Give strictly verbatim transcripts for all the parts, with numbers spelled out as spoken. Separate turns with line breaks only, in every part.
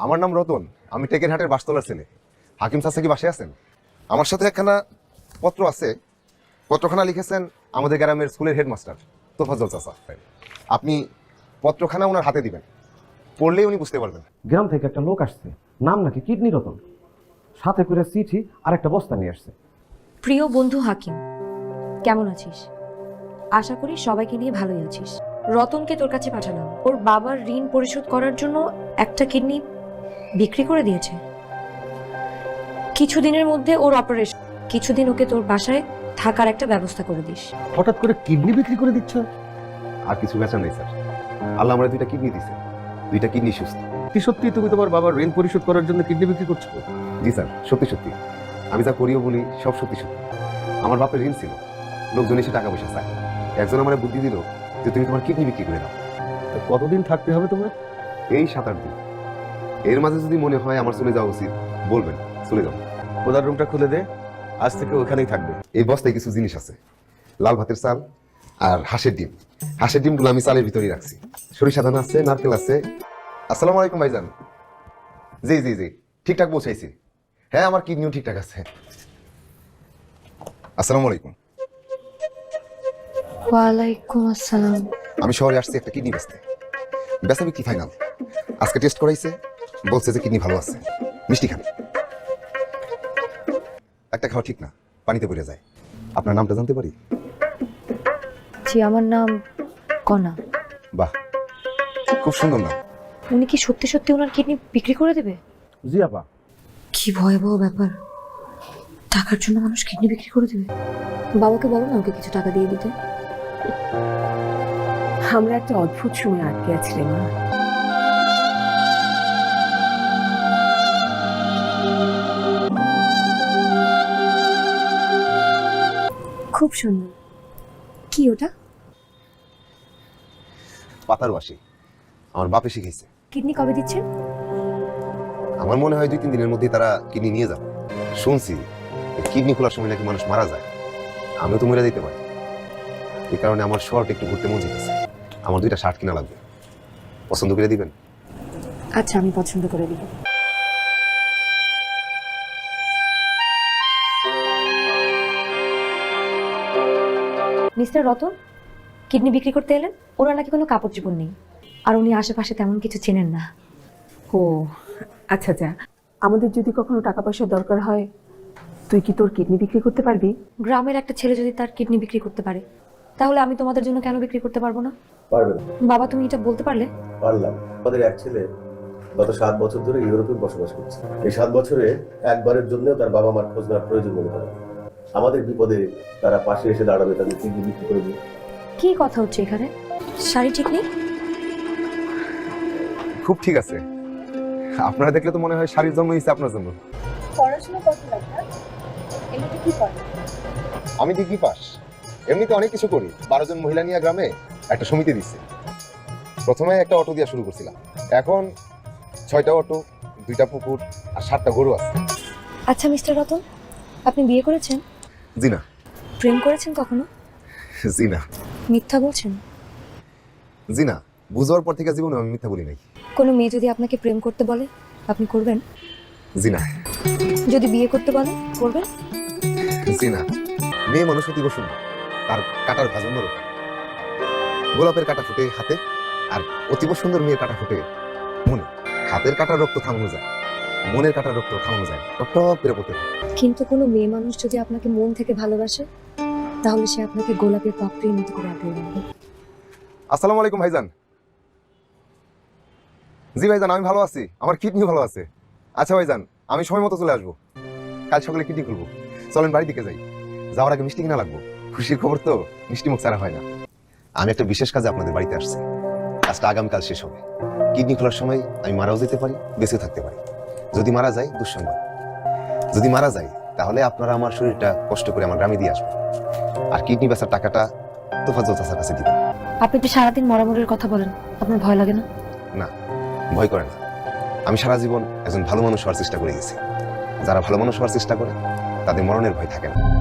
আমার নাম রতন, আমি টেকেরহাটের বাসতলার ছেলে। হাকিম চাচা কি বাসায় আছেন? আমার সাথে একখানা পত্র আছে, পত্রখানা লিখেছেন আমাদের গ্রামের স্কুলের হেডমাস্টার তোফাজ্জল চাচা। আপনি পত্রখানা ওনার হাতে দিবেন, পড়লেই উনি বুঝতে পারবেন।
গ্রাম থেকে একটা লোক আসছে, নাম নাকি কিডনি রতন, সাথে করে চিঠি আর একটা বস্তা নিয়ে আসছে।
প্রিয় বন্ধু হাকিম, কেমন আছিস? আশা করি সবাইকে নিয়ে ভালোই আছিস। রতনকে তোর কাছে পাঠালাম, ওর বাবার ঋণ পরিশোধ করার জন্য একটা কিডনি বিক্রি করে দিয়েছে। কিছুদিনের মধ্যে ওর অপারেশন, কিছুদিন ওকে তোর বাসায় থাকার একটা ব্যবস্থা করে দিস।
হঠাৎ করে কিডনি বিক্রি করে দিচ্ছ?
আর কিছু বেচা নেই স্যার, আল্লাহ আমরা দুইটা কিডনি দিছে, দুইটা কিডনি সুস্থ।
কি সত্যি তুমি তোমার বাবার ঋণ পরিশোধ করার জন্য কিডনি বিক্রি করছো?
জি স্যার, সত্যি সত্যি। আমি যা করিও বলি সব সত্যি সত্যি। আমার বাপের ঋণ ছিল, লোকজন এসে টাকা পয়সা চায়, একজন আমার বুদ্ধি দিল যে তুমি তোমার কিডনি বিক্রি করে দাও।
কতদিন থাকতে হবে তোমার?
এই সাত আট দিন। এর মাঝে যদি মনে হয় আমার চলে যাওয়া উচিত বলবেন, চলে যাও।
ওদার রুমটা খুলে দে, আজ থেকে ওখানেই থাকবে।
এই বস্তায় কিছু জিনিস আছে, লাল ভাতের চাল আর হাঁসের ডিম। হাঁসের ডিমগুলো আমি চালের ভিতরেই রাখছি। সরিষা দানা আছে, নারকেল আছে। আসসালামু আলাইকুম ভাইজান। জি জি জি, ঠিকঠাক পৌঁছাইছি। হ্যাঁ, আমার কিডনিও ঠিকঠাক আছে। আসসালামু আলাইকুম।
ওয়ালাইকুম আসসালাম।
আমি শহরে আসছি একটা কিডনি বেচতে, বেচা বিক্রি ফাইনাল। আজকে টেস্ট করাইছে, বলছে যে কিডনি ভালো আছে। মিষ্টি খান, একটা খাওয়া ঠিক না, পানিতে পড়ে যায়। আপনার নামটা জানতে পারি?
জি, আমার নাম কনা।
বাহ, খুব সুন্দর নাম।
উনি কি সত্যি সত্যি ওনার কিডনি বিক্রি করে দেবে?
জি আপা।
কি ভয়াবহ ব্যাপার, টাকার জন্য মানুষ কিডনি বিক্রি করে দেবে। বাবাকে বলো না ওকে কিছু টাকা দিয়ে দিতে।
আমরা একটা অদ্ভুত সময় আটকে আছিলাম।
খুব সুন্দর। কি ওটা?
পাতার বাসি, আমার বাপে শিখেছে।
কিডনি কবে দিচ্ছেন?
আমার মনে হয় দুই তিন দিনের মধ্যেই তারা কিডনি নিয়ে যাবে। শুনছি কিডনি খোলার সময় নাকি মানুষ মারা যায়, আমিও তো মরে যেতে পারি। এই কারণে আমার শর্ট একটু ঘুরতে মন চাইতেছে। আমার দুইটা শার্ট কিনা লাগবে, পছন্দ করে দিবেন?
আচ্ছা, আমি পছন্দ করে দিব। মিস্টার রতন কিডনি বিক্রি করতে এলেন? ওনার নাকি কোনো কাপড় চোপড় নেই, আর উনি আশেপাশে তেমন কিছু চেনেন না।
ও আচ্ছা আচ্ছা, আমাদের যদি কখনো টাকা পয়সার দরকার হয়, তুই কি তোর কিডনি বিক্রি করতে পারবি?
গ্রামের একটা ছেলে যদি তার কিডনি বিক্রি করতে পারে, তাহলে আমি তোমাদের জন্য কেন বিক্রি করতে পারবো না?
পারবেন?
বাবা, তুমি এটা বলতে পারলে?
পারলাম। আমাদের এক ছেলে গত সাত বছর ধরে ইউরোপে বসবাস করছে। এই সাত বছরে একবারের জন্য তার বাবা মার খোঁজ নেওয়ার প্রয়োজন মনে করে। আমাদের বিপদে তারা পাশে এসে দাঁড়াবে, তাদের কিডনি বিক্রি করে দিয়ে।
কি কথা হচ্ছে এখানে? শাড়ি ঠিক নেই?
খুব ঠিক আছে। আপনারা দেখলে তো মনে হয় শাড়ির জন্ম হয়েছে আপনার জন্য।
পড়াশোনা কত লাগবে? এমনিতে কি করে?
আমি ডিগ্রি পাস, এমনিতে অনেক কিছু করি। বারো জন মহিলা নিয়ে গ্রামে একটা সমিতি দিচ্ছে। প্রথমে একটা অটো দিয়ে শুরু করছিলাম, এখন ছয়টা অটো, দুইটা পুকুর আর সাতটা গরু আছে।
আচ্ছা মিস্টার রতন, আপনি বিয়ে করেছেন?
জি না।
প্রেম করেছেন কখনো?
জি না।
মিথ্যা বলছেন?
জি না, বুঝার পর থেকে জীবনে আমি মিথ্যা বলি নাই।
কোনো মেয়ে যদি আপনাকে প্রেম করতে বলে, আপনি করবেন?
জি না।
যদি বিয়ে করতে বলে, করবেন?
জি না। মেয়ে মানুষ অতীব সুন্দর, তার কাটার ভাজন নরম। গোলাপের কাটা ফুটে হাতে, আর অতীব সুন্দর মেয়ের কাটা ফুটে মনে। হাতের কাটার রক্ত থামানো যায়, মনের কাটার রক্ত থামানো যায়, টপ টপ করে পড়তে থাকে।
কিন্তু কোনো মেয়ে মানুষ যদি আপনাকে মন থেকে ভালোবাসে, তাহলে সে আপনাকে গোলাপের পাপড়ির মতো করে আগলে রাখবে।
আসসালামু আলাইকুম ভাইজান। জি ভাইজান, আমি ভালো আছি, আমার কিডনিও ভালো আছে। আচ্ছা ভাইজান, আমি সময় মতো চলে আসবো। কাল সকালে কিডনি খুলবো, চলেন বাড়ি দিকে যাই। যাওয়ার আগে মিষ্টি কিনা লাগবো, খুশির খবর তো মিষ্টি মুখ ছাড়া হয় না। আমি একটা বিশেষ কাজে আপনাদের বাড়িতে আসছি, কাজটা আগামীকাল শেষ হবে। কিডনি খোলার সময় আমি মারাও যেতে পারি, বেঁচে থাকতে পারি। যদি মারা যায় দুঃসংবাদ, যদি মারা যায় তাহলে আপনারা আমার শরীরটা কষ্ট করে আমার গ্রামে দিয়ে আসবেন, আর কিডনি বেচার টাকাটা তোফাজ্জল চাচার কাছে দিবেন।
আপনি তো সারাদিন মরামরের কথা বলেন, আপনার ভয় লাগে না?
না, ভয় করে না। আমি সারা জীবন একজন ভালো মানুষ হওয়ার চেষ্টা করে গেছি। যারা ভালো মানুষ হওয়ার চেষ্টা করে তাদের মরণের ভয় থাকে না।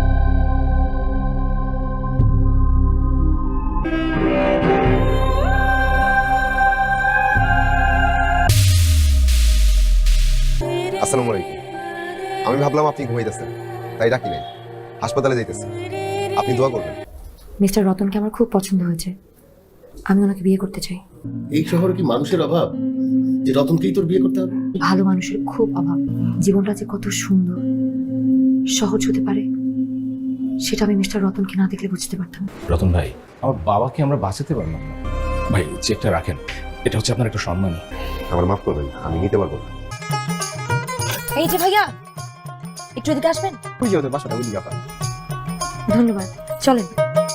আসসালামু আলাইকুম। আমি ভাবলাম আপনি ঘুমাইতেছেন, তাই ডাকি নাই। হাসপাতালে যাইতেছি, আপনি দোয়া করবেন।
মিস্টার রতনকে আমার খুব পছন্দ হয়েছে, আমি ওনাকে বিয়ে করতে চাই।
এই শহরে কি মানুষের অভাব যে রতনকেই তোর বিয়ে করতে হবে?
ভালো মানুষের খুব অভাব। জীবনটা যে কত সুন্দর সহজ হতে পারে সেটা আমি মিস্টার রতনকে না দেখলে বুঝতে পারতাম।
রতন ভাই, আমার বাবাকে আমরা বাঁচাতে পারলাম না। ভাই চেকটা রাখেন, এটা হচ্ছে আপনার একটা সম্মানী।
আমার মাফ করবেন, আমি নিতে পারবো না।
এই যে ভাইয়া, একটু এদিকে আসবেন। ধন্যবাদ, চলেন।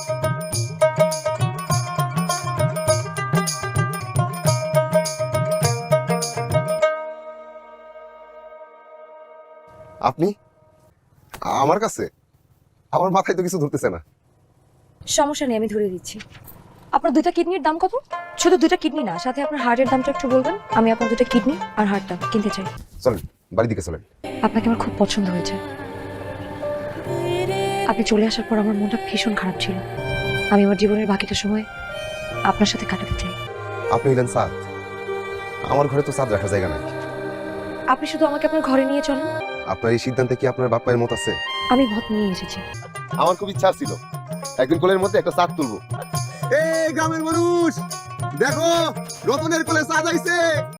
আপনি আমার কাছে? আমার মাথায় তো কিছু ধরতেছে না।
সমস্যা নেই, আমি ধরে দিচ্ছি। আপনার দুইটা কিডনির দাম কত? শুধু দুইটা কিডনি না, সাথে আপনার হার্টের দামটা একটু বলবেন। আমি আপনার দুইটা কিডনি আর হার্টটা কিনতে চাই।
চলেন, বাড়ির দিকে চলেন।
আপনাকে আমার খুব পছন্দ হয়েছে। আপনি চলে আসার পর আমার মনটা ভীষণ খারাপ ছিল। আমি আমার জীবনের বাকিটা সময় আপনার সাথে কাটাতে চাই।
আপনি হইলেন সাদ, আমার ঘরে তো সাদ রাখার জায়গা নাই।
আপনি শুধু আমাকে আপনার ঘরে নিয়ে চলেন।
আপনার এই সিদ্ধান্তে কি আপনার বাপ মায়ের মত আছে?
আমি মত নিয়ে এসেছি।
আমার খুব ইচ্ছা ছিল একদিন কোলের মধ্যে একটা চাঁদ তুলবো। এই গ্রামের মানুষ দেখো, রতনের কোলে চাঁদ আইছে।